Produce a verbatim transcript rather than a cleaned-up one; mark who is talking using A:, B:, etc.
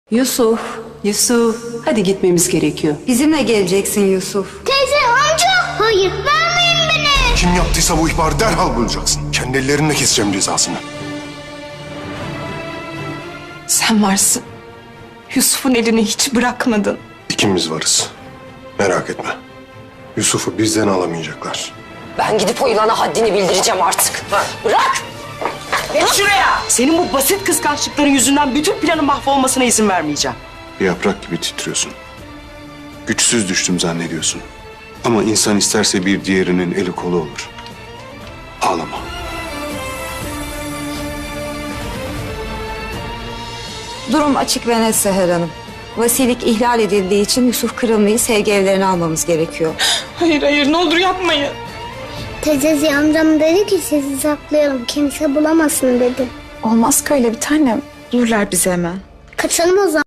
A: Yusuf, Yusuf, hadi gitmemiz gerekiyor.
B: Bizimle geleceksin Yusuf.
C: Teyze, amca, hayır vermeyin beni.
D: Kim yaptıysa bu ihbarı derhal bulacaksın. Kendi ellerimle keseceğim cezasını.
E: Sen varsın. Yusuf'un elini hiç bırakmadın.
D: İkimiz varız. Merak etme. Yusuf'u bizden alamayacaklar.
F: Ben gidip o yılana haddini bildireceğim artık. Bırak!
G: Geç şuraya! Senin bu basit kıskançlıkların yüzünden bütün planın mahvolmasına izin vermeyeceğim.
H: Bir yaprak gibi titriyorsun. Güçsüz düştüm zannediyorsun. Ama insan isterse bir diğerinin eli kolu olur. Ağlama.
B: Durum açık ve net Seher Hanım. Vasilik ihlal edildiği için Yusuf Kırımlı'yı sevgi evlerine almamız gerekiyor.
E: Hayır hayır ne olur yapmayın.
C: Teyze Ziya amcam dedi ki sizi saklayalım, kimse bulamasın dedi.
E: Olmaz ki öyle bir tanem. Dururlar bizi hemen.
C: Kaçalım o zaman.